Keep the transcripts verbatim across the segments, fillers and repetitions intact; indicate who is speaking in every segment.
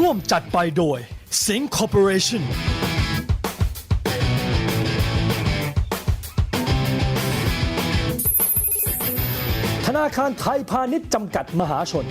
Speaker 1: ร่วมจัดไปโดย Sing Corporation ธนาคารไทยพาณิชย์จำกัดมหาชน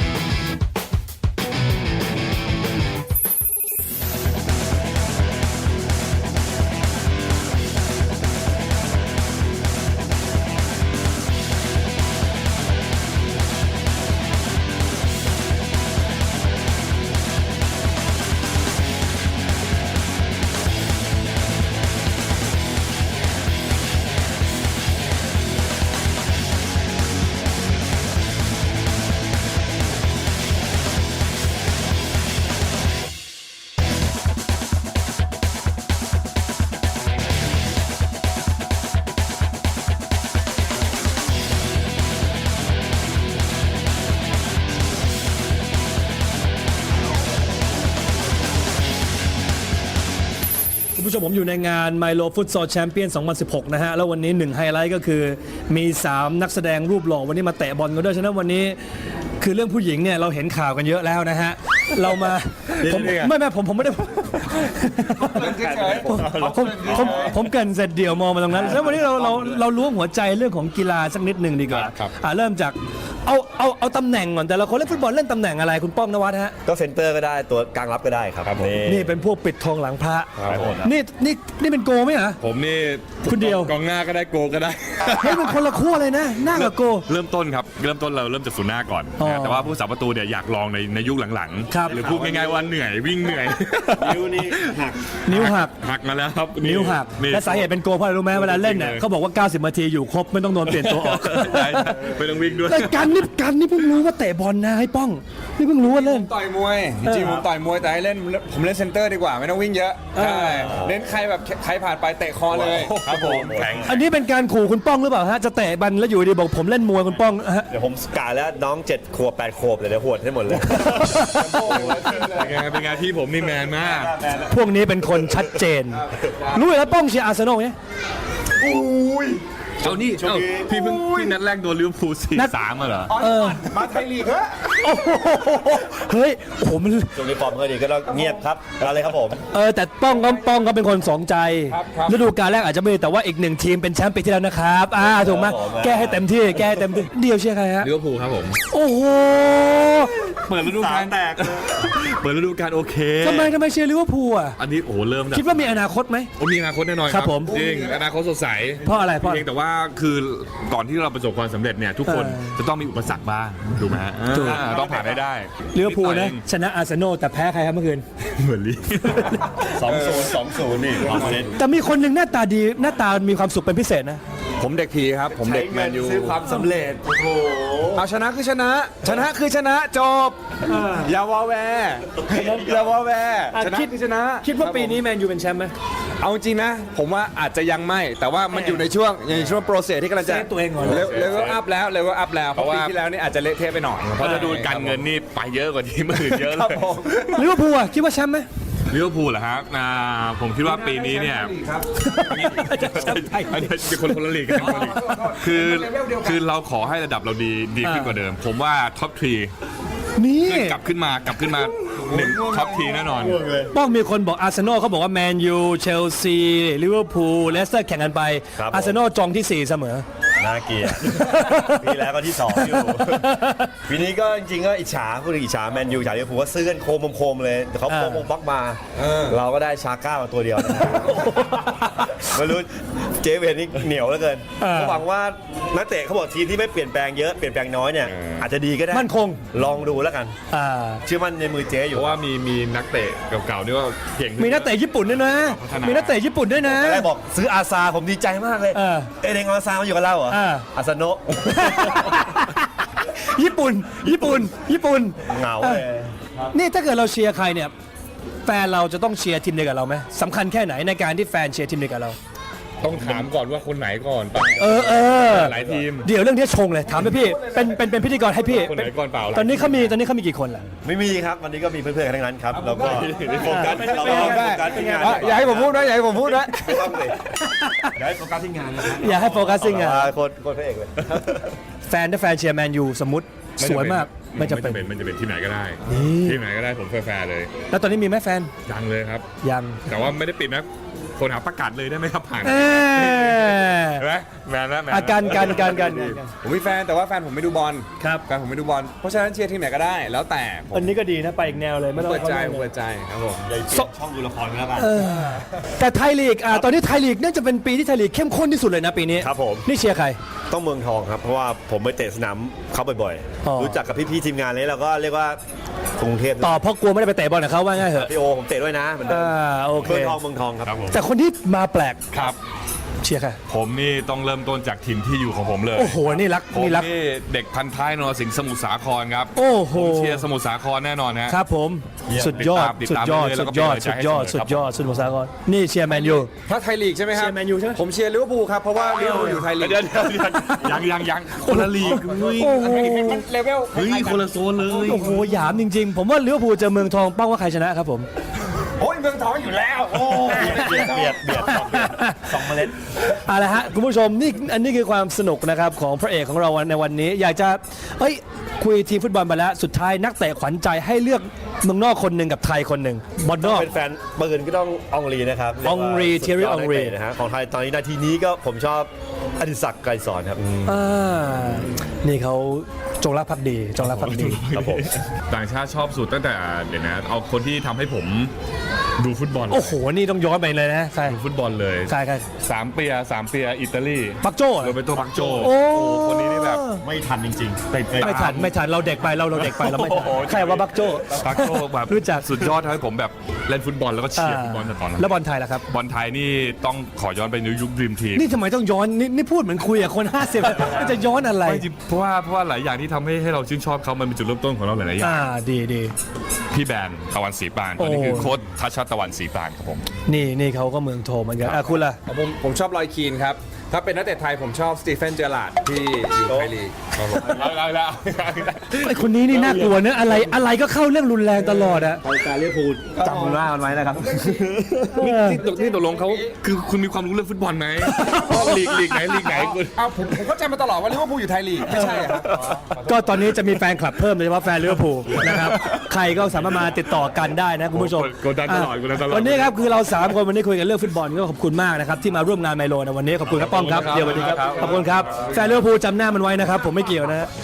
Speaker 1: คุณผู้ชมผมอยู่ในงาน Milo Futsal Champion สองพันสิบหก นะฮะแล้ววันนี้หนึ่งไฮไลท์ก็คือมีสามนักแสดงรูปหล่อวันนี้มาเตะบอลกันด้วยฉะนั้นวันนี้คือเรื่องผู้หญิงเนี่ยเราเห็นข่าวกันเยอะแล้วนะฮะเรามาผมไม่ไม่ผมผมไม่ได้ผมผมผมผมเกินเสร็จเดี่ยวมองมาตรงนั้นแล้ววันนี้เราเราเราล้วงหัวใจเรื่องของกีฬาสักนิดหนึ่งดีกว่าอ่าเริ่มจากเอาเอาเอาตำแหน่งก่อนแต่ละคนเล่นฟุตบอลเล่นตำแหน่งอะไรคุณป้อมนวัดฮะ
Speaker 2: ก็เซนเตอร์ก็ได้ตัวกลางรับก็ได้ครับนี่
Speaker 1: นี่เป็นพวกปิดทองหลังพระนี่นี่นี่เป็นโกไหมเหรอ
Speaker 3: ผมนี่
Speaker 1: คุณเดียว
Speaker 3: กองหน้าก็ได้โกก็ได้
Speaker 1: เฮ้ยมันคนละขั้วเลยนะหน้ากับโก
Speaker 3: เริ่มต้นครับเริ่มต้นเราเริ่มจากศูนย์หน้าก่อนนะแต่ว่าผู้สาประตูเนี่ยอยากลองในในยุคหลังๆหรือพูดง่ายๆว่าเหนื่อยวิ่งเหนื่อย
Speaker 2: นิ้วนี่หัก
Speaker 1: นิ้วหัก
Speaker 3: หักมาแล้วครับ
Speaker 1: นิ้วหักและสาเหตุเป็นโกเพราะอะไรรู้ไหมเวลาเล่นเนี่ยเขาบอกว่าเก้าสิบนาทีอยู่ครบไม่ต้องโดนเปลี่ยนตัวออก
Speaker 3: ไม่ต้องวิ่งด้วย
Speaker 1: แต่กันนี่กันนี่เพิ่งรู้ว่าเตะบอลนะให้ป้องนี่เพิ่งรู้ว่าเล่น
Speaker 4: ต่อยมวยจริงผมต่อยมวยแต่ให้เล่นผมเล่นเซนเตอร์ดีกว่าไม่ต้องวิ่งเยอะใช่เน้นใครแบบใครผ่านไปเตะคอเลย
Speaker 3: ครับผม
Speaker 1: อันนี้เป็นการขู่คุณป้องหรือเปล่าฮะจะเตะบอลแล้วอยู่ดีบอกผมเล่นมวยคุณป้องฮะ
Speaker 2: เดี๋ยวผมกาแล้วน้องเจ็ดขวบแปดขวบเลยเดี๋ยวหวดให้หมดเลย
Speaker 3: เป็นไงเป็นไงที่ผมนี่แมนมาก
Speaker 1: พวกนี้เป็นคนชัดเจนรู้แล้วป้องเชียร์อาร์เซนอลไหม
Speaker 2: อุ้ย
Speaker 3: เอานี่เอ้าพี่เพิ่งพี่นัดแรกโดนลิเวอร์พูล สี่สาม มาเหรอ
Speaker 1: เออ
Speaker 4: มาไทยลีกเหรอ
Speaker 1: เฮ้ยโอ้โหมัน
Speaker 2: ช่วงนี้ฟอร์มก็ดีก็ต้องเงียบครับอะไรครับผม
Speaker 1: เออแต่ป้องก็ป้องก็เป็นคนสองใจฤดูกาลแรกอาจจะไม่แต่ว่าอีกหนึ่งทีมเป็นแชมป์ปีที่แล้วนะครับอ่าถูกไหมแก้ให้เต็มที่แก้ให้เต็มที่เดียวเชียร์ใครฮะ
Speaker 3: ลิเวอร์พูลครับผม
Speaker 1: โอ้โห
Speaker 3: เปิดฤดูกาลแตกเปิดฤดูกาลโอเค
Speaker 1: ทำไมทำไมเชียร์ลิเวอร์พูลอ่ะ
Speaker 3: อันนี้โอ้เริ่ม
Speaker 1: คิดว่ามีอนาคตไหม
Speaker 3: มีอนาคตแน่นอน
Speaker 1: ครับผม
Speaker 3: จริงอนาคตสดใส
Speaker 1: เพราะอะไรเพราะ
Speaker 3: เพียงแต่ว่าคือก่อนที่เราประสบความสำเร็จเนี่ยทุกคนจะต้องมีอุปสรรคบ้างถูกไหมต้องผ่านได้ได้
Speaker 1: ลิเวอร์พูลนะชนะอาร์เซนอลแต่แพ้ใครครับเมื่อคืน
Speaker 3: เหมือนลี
Speaker 2: สองศูนย์สองศูนย์นี่
Speaker 1: แต่มีคนหนึ่งหน้าตาดีหน้าตามีความสุขเป็นพิเศษนะ
Speaker 4: ผมเด็กผีครับผมเด็กแมนยู
Speaker 2: ซื้อความสำเร็จโอ้โห
Speaker 4: เอาชนะคือชนะชนะคือชนะจบอย่าวอแวอย่าวอแวชนะคือชนะ
Speaker 1: คิดว่าปีนี้แมนยูเป็นแชมป์ไหม
Speaker 4: เอาจริงนะผมว่าอาจจะยังไม่แต่ว่ามันอยู่ในช่วงในช่วงโปรเซสที่กำลังจะ
Speaker 1: ตัวเองก่อน
Speaker 4: เลเวลอัพแล้วเลเวลอัพแล้วเพราะว่าปีที่แล้วนี่อาจจะเละเทะไปหน่อย
Speaker 3: เพราะจะดูการเงินนี่ไปเยอะกว่าที่มื่นเยอะเลย
Speaker 1: ลิเวอร์พูลคิดว่าแชมป์ไหม
Speaker 3: ลิเวอร์พูลเหรอครับผมคิดว่าปีนี้เนี่ยเป็นคนคนละลีกกันคือคือเราขอให้ระดับเราดีดีขึ้นกว่าเดิมผมว่าท็อปทรี
Speaker 1: นี่
Speaker 3: กลับขึ้นมากลับขึ้นมาหนึ่งท็อปทีแน่นอน
Speaker 1: ป้องมีคนบอกอาร์เซนอลเขาบอกว่าแมนยูเชลซีลิเวอร์พูลเลสเตอร์แข่งกันไปอาร์เซนอลจองที่สี่เสมอ
Speaker 2: น่าเกลียดปีแล้วก็ที่สองอยู่ปีนี้ก็จริงๆก็อิจฉาพูดถึงอิจฉาแมนยูอิจฉาลิเวอร์พูลว่าซื้อกันโคมโคมเลยแต่เขาโคมบล็อกมาเราก็ได้ชาก้ามาตัวเดียวไม่รู้เจเวนนี่เหนียวเหลือเกินเขาหวังว่านักเตะเขาบอกทีมที่ไม่เปลี่ยนแปลงเยอะเปลี่ยนแปลงน้อยเนี่ยอาจจะดีก็ได้
Speaker 1: มั่นคง
Speaker 2: ลองดูแล้วกันเชื่อมั่นในมือเจ๊อยู่
Speaker 3: เพราะว่ามีมีนักเตะเก่าๆนี่ก็เก่ง
Speaker 1: มีนักเตะญี่ปุ่นด้วยนะมีนักเตะญี่ปุ่นด้วยนะ
Speaker 2: ได้บอกซื้ออาซาผมดีใจมากเลยเอเดงอาซามาอยู่กับเราเหรออาซาโนะ
Speaker 1: ญี่ปุ่นญี่ปุ่นญี่ปุ่น
Speaker 2: เหงาเลย
Speaker 1: นี่ถ้าเกิดเราเชียร์ใครเนี่ยแฟนเราจะต้องเชียร์ทีมเดียวกับเราไหมสำคัญแค่ไหนในการที่แฟนเชียร์ทีมเดียวกับเรา
Speaker 3: ต้องถามก่อนว่าคนไหนก่อน
Speaker 1: เออเออ
Speaker 3: หลายทีม
Speaker 1: เดี๋ยวเรื่องนี้ชงเลยถามไปพี่เป็นเป็นเป็นพิธีกรให้พี่
Speaker 3: คนไหนก่อนเปล่า
Speaker 1: ตอนนี้เขามีตอนนี้เขามีกี่คนล่ะ
Speaker 2: ไม่มีครับวันนี้ก็มีเพื่อนๆทั้งนั้นครับเราก็โฟกัสเราโฟกัสที่งาน
Speaker 4: อย่าให้ผมพูดนะอย่าให้ผมพูดนะ
Speaker 2: ไม่ต้องเลยอย่าให้โฟกัสที่งาน
Speaker 1: อย่าให้โฟกัสที่งาน
Speaker 2: โคตรโคตรพระเอกเลย
Speaker 1: แฟนถ้าแฟนเชียร์แมนยูสมมติสวยมากไม่จำเป็น
Speaker 3: ไม่จะเป็นที่ไหนก็ได้
Speaker 1: นี่
Speaker 3: ที่ไหนก็ได้ผมแฟร์ๆเลย
Speaker 1: แล้วตอนนี้มีไหมแฟน
Speaker 3: ยังเลยครับ
Speaker 1: ยัง
Speaker 3: แต่ว่าไม่ได้ปิดนะคนหาประกาศเลยได้ไหมครับผ่าน
Speaker 1: เอ้ย
Speaker 3: เห็นไหมแมนนะแมน
Speaker 1: อาการการการการ
Speaker 4: ผมมีแฟนแต่ว่าแฟนผมไม่ดูบอล
Speaker 1: ครับ
Speaker 4: แฟนผมไม่ดูบอลเพราะฉะนั้นเชียร์ทีมไหนก็ได้ แล้วแต่ผม
Speaker 1: อันนี้ก็ดีนะไปอีกแนวเลยไม่ต้อง
Speaker 4: เปิดใจ
Speaker 1: ข้า
Speaker 4: ผม
Speaker 1: ข้าง
Speaker 4: เปิดใจครับผม
Speaker 2: เลยเปลี่ยนช่องดูละครกันแล้วกัน
Speaker 1: แต่ไทยลีกอ่าตอนนี้ไทยลีกน่าจะเป็นปีที่ไทยลีกเข้มข้นที่สุดเลยนะปีนี้
Speaker 2: ครับผม
Speaker 1: นี่เชียร์ใคร
Speaker 2: ต้องเมืองทองครับ เพราะว่าผมไปเตะสนามเขาบ่อย
Speaker 1: อ๋อ
Speaker 2: ๆ รู้จักกับพี่ๆทีมงานเลยเราก็เรียกว่ากรุงเทพ
Speaker 1: ต่อเพราะกลัวไม่ได้ไปเตะบอลกับเขาว่าง่ายเหรอะ
Speaker 2: พี่โอผมเตะด้วยนะเหมือนเดิม
Speaker 1: อ่าโอเค
Speaker 2: เมืองทองเมืองทองครับ
Speaker 3: ครับผม
Speaker 1: แต่คนที่มาแปลก
Speaker 3: ครับ
Speaker 1: เชียร์ใคร
Speaker 3: ผมนี่ต้องเริ่มต้นจากทีมที่อยู่ของผมเลย
Speaker 1: โอ้โหนี่รัก
Speaker 3: ผม
Speaker 1: นี่รัก
Speaker 3: นี่เด็กพันท้ายนรสิงห์สมุทรสาครครับ
Speaker 1: โอ้โห
Speaker 3: ผมเชียร์สมุทรสาครแน่นอนฮะ
Speaker 1: ครับผมสุดยอด
Speaker 3: ติด
Speaker 1: สุด
Speaker 3: ตาม
Speaker 1: ยอด
Speaker 3: ติด
Speaker 1: สุ
Speaker 3: ตาม
Speaker 1: ดยอด
Speaker 3: เรื่
Speaker 1: สุ
Speaker 3: อย
Speaker 1: ด
Speaker 3: ๆ
Speaker 1: ยอด
Speaker 3: แล้วก็
Speaker 1: สุดยอด
Speaker 3: เป็นกำลังใจให้เสมอครับ
Speaker 1: สุดยอดสมุทรสาครนี่เชียร์แมนยู
Speaker 4: ถ้าไทยลีกใช่ไหมครับ
Speaker 1: เชียร์แมนยูใช่ไหม
Speaker 4: ผมเชียร์ลิเวอร์พูลครับเพราะว่าลิเวอร์พูลอยู่ไทยลีก
Speaker 3: เดี๋ยวเดี๋ยวเดี๋ยวยังยังยังคนละลีกเฮ้ย
Speaker 1: โอ้โห
Speaker 4: มันเลเวล
Speaker 3: เฮ้ยคนละโซนเลย
Speaker 1: โอ้โหหยามจริงๆ ผมว่าลิเวอร์พูลเจอเมืองทองเป้าว่าใครชนะครับผม
Speaker 4: โอ้ยเมืองทองอยู่แล้วโอ้
Speaker 2: เบียดเบียดเบียดสองเบียดสองเมล็ด
Speaker 1: เอาละฮะคุณผู้ชมนี่อันนี้คือความสนุกนะครับของพระเอกของเราในวันนี้ อยากจะเอ้ยคุยทีมฟุตบอลไปแล้วสุดท้ายนักเตะขวัญใจให้เลือกเมืองนอกคนหนึ่งกับไทยคนหนึ่งบอลนอก
Speaker 2: เป็นแฟนปืนก็ต้องอองรีนะครับ
Speaker 1: อองรี
Speaker 2: เยกว่า
Speaker 1: Thierry อองรี
Speaker 2: สุดยดนักเตะนะฮะของไทยตอนนี้นาทีนี้ก็ผมชอบอดิศักดิ์ไกรสอนครับ
Speaker 1: อ่านี่เขาจงรักภักดีจงรักภักดี
Speaker 2: ครับผม
Speaker 3: ต่างชาติชอบสุดตั้งแต่เดี๋ยวนะเอาคนที่ทำให้ผมดูฟุตบอล
Speaker 1: โอ้โหนี่ต้องย้อนไปเลยนะใคร
Speaker 3: ดูฟุตบอลเลย
Speaker 1: ใครใคร
Speaker 3: สามเปียสามเปียอิตาลี
Speaker 1: ปักโจ้เหรอ
Speaker 3: โรเบโตปักโจ
Speaker 1: โอ้
Speaker 3: คนนี้นี่แบบ
Speaker 2: ไม่ทันจริงๆติดเลย
Speaker 1: ไม่ทันไม่ทันเราเด็กไปเราเราเด็กไปเราไม่ทัน
Speaker 3: โอ้โห
Speaker 1: ใครว่าบักโจ้
Speaker 3: ปักโจแบบ
Speaker 1: รู้จัก
Speaker 3: สุดยอดทำให้ผมแบบเล่นฟุตบอลแล้วก็เชียร์ฟุตบอลแต่ตอนนั้น
Speaker 1: แล้วบอลไทยล่ะครับ
Speaker 3: บอลไทยนี่ต้องขอย้อนไปในยุคดรีมทีม
Speaker 1: นี่ทำไมต้องย้อนนี่นี่พูดเหมือนคุยกับคนห้าสิบจะย้อนอะไร
Speaker 3: ไม่จริงเพราะว่าเพราะว่าหลายอย่างที่ทำให้ให้เราชื่นชอบเขามันเป็นจุดเริ่มต้นของเราหลายๆอย่าง
Speaker 1: อ่าดีดี
Speaker 3: พี่แบนตะวันสีปานตอนนี้
Speaker 1: โอ้
Speaker 3: คือโค้ชทัชชาตะวันสีปานครับผม
Speaker 1: นี่นี่เขาก็เมืองโทเหมือนกันอ่ะคุณล่ะ
Speaker 4: ผมผมชอบลอยคีนครับถ้าเป็นนักเตะไทยผมชอบสตีเฟนเจอราร์ดที่อยู่ไทยลีกครับผม
Speaker 3: เอาแล้วแล้ว
Speaker 1: ไอคนนี้นี่น่ากลัวเนอะอะไรอะไรก็เข้าเรื่องรุนแรงตลอดอะ
Speaker 2: การเรียกพูดจำคุณว่ามันไว้นะครับ
Speaker 3: นี่นี่ตกนี่ตกลงเขาคือคุณมีความรู้เรื่องฟุตบอลไหมลีกลีกไหนลีกไหนคุณ
Speaker 4: เอาผมผมเข้าใจมาตลอดว่าลิเวอร์พูลอยู่ไทยลีกไม่ใช่ครับ
Speaker 1: ก็ตอนนี้จะมีแฟนคลับเพิ่มโดยเฉพาะแฟนลิเวอร์พูลนะครับใครก็สามารถมาติดต่อกันได้นะคุณผู้ชม
Speaker 3: กดดันตลอดกดดันตลอด
Speaker 1: วันนี้ครับคือเราสามคนวันนี้คุยกันเรื่องฟุตบอลก็ขอบคุณมากนะครับที่มาร่วมงานไมโลในวันนี้ขอบคุณครับป้อมครับเดี๋ยววันนี้ครับขอบคุณครับแฟนลิเวอร์พูลจำหน้ามันไว้นะครับผมไม่เกี่ยวนะฮะ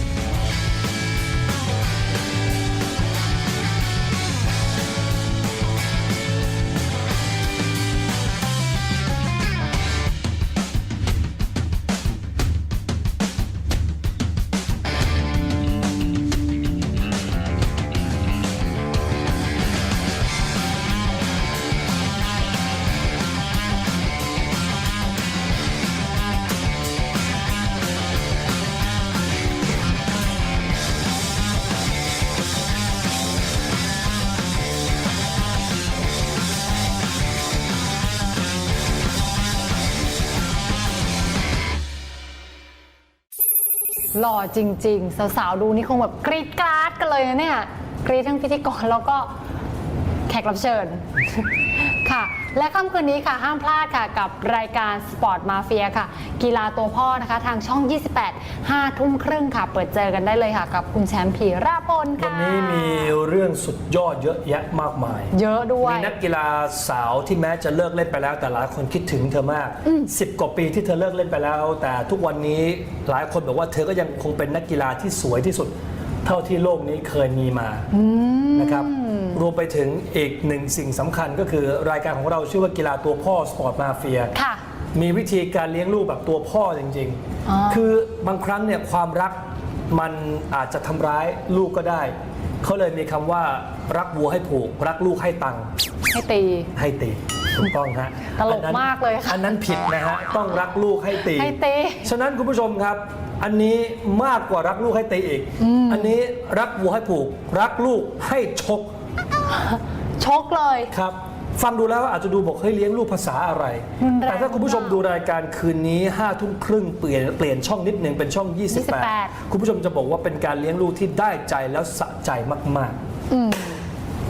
Speaker 5: หล่อจริงๆ สาวๆ ดูนี่คงแบบกรี๊ดกราดกันเลยนะเนี่ย กรี๊ดทั้งพิธีกรแล้วก็แขกรับเชิญ ค่ะ และค่ำคืนนี้ค่ะห้ามพลาดค่ะกับรายการสปอร์ตมาเฟียค่ะ กีฬาตัวพ่อนะคะ ทางช่อง ยี่สิบแปด ห้าทุ่มครึ่งค่ะ เปิดเจอกันได้เลยค่ะ กับคุณแชมป์พีราพล
Speaker 1: วั
Speaker 5: ค่ะ
Speaker 1: นนี้มีเรื่องสุดยอดเยอะแยะมากมาย
Speaker 5: เยอะด้วย
Speaker 1: มีนักกีฬาสาวที่แม้จะเลิกเล่นไปแล้ว แต่หลายคนคิดถึงเธอมากสิบกว่าปีที่เธอเลิกเล่นไปแล้ว แต่ทุกวันนี้หลายคนบอกว่าเธอก็ยังคงเป็นนักกีฬาที่สวยที่สุด เท่าที่โลกนี้เคยมีมานะครับรวมไปถึงอีกหนึ่งสิ่งสำคัญก็คือรายการของเราชื่อว่ากีฬาตัวพ่อสปอร์ตมาเฟีย
Speaker 5: ค่ะ
Speaker 1: มีวิธีการเลี้ยงลูกแบบตัวพ่อจริง
Speaker 5: อ๋อ
Speaker 1: ๆ คือบางครั้งเนี่ยความรักมันอาจจะทำร้ายลูกก็ได้ เขาเลยมีคำว่ารักวัวให้ผูก รักลูกให้ตังค์
Speaker 5: ให้ตี
Speaker 1: ให้ตีถูกต้องฮะ
Speaker 5: ตลก
Speaker 1: อันนั้น
Speaker 5: มากเลยค่ะ
Speaker 1: อันนั้นผิดนะฮะต้องรักลูกให้ตี
Speaker 5: ให้ตี
Speaker 1: ฉะนั้นคุณผู้ชมครับ อันนี้มากกว่ารักลูกให้ตีอีก อันนี้รักวัวให้ผูก รักลูกให้ชก
Speaker 5: ชกเลย
Speaker 1: ครับฟังดูแล้วอาจจะดูบอกเฮ้ยเลี้ยงลูกภาษาอะไร
Speaker 5: รุนแรง
Speaker 1: แต่ถ้าคุณผู้ชมดูรายการคืนนี้ห้าทุ่มครึ่งเปลี่ยนเปลี่ยนช่องนิดหนึ่งเป็นช่อง ยี่สิบแปด คุณผู้ชมจะบอกว่าเป็นการเลี้ยงลูกที่ได้ใจแล้วสะใจมาก
Speaker 5: อืม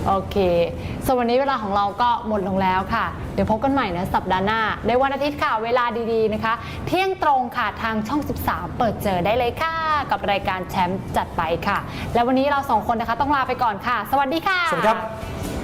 Speaker 5: โอเคส่วนวันนี้เวลาของเราก็หมดลงแล้วค่ะ เดี๋ยวพบกันใหม่นะสัปดาห์หน้าในวันอาทิตย์ค่ะเวลาดีๆนะคะ เที่ยงตรงค่ะทางช่อง สิบสาม เปิดเจอได้เลยค่ะ กับรายการแชมป์จัดไปค่ะ และวันนี้เราสองคนนะคะต้องลาไปก่อนค่ะ สวัสดีค่ะ
Speaker 1: สวัสดีครับ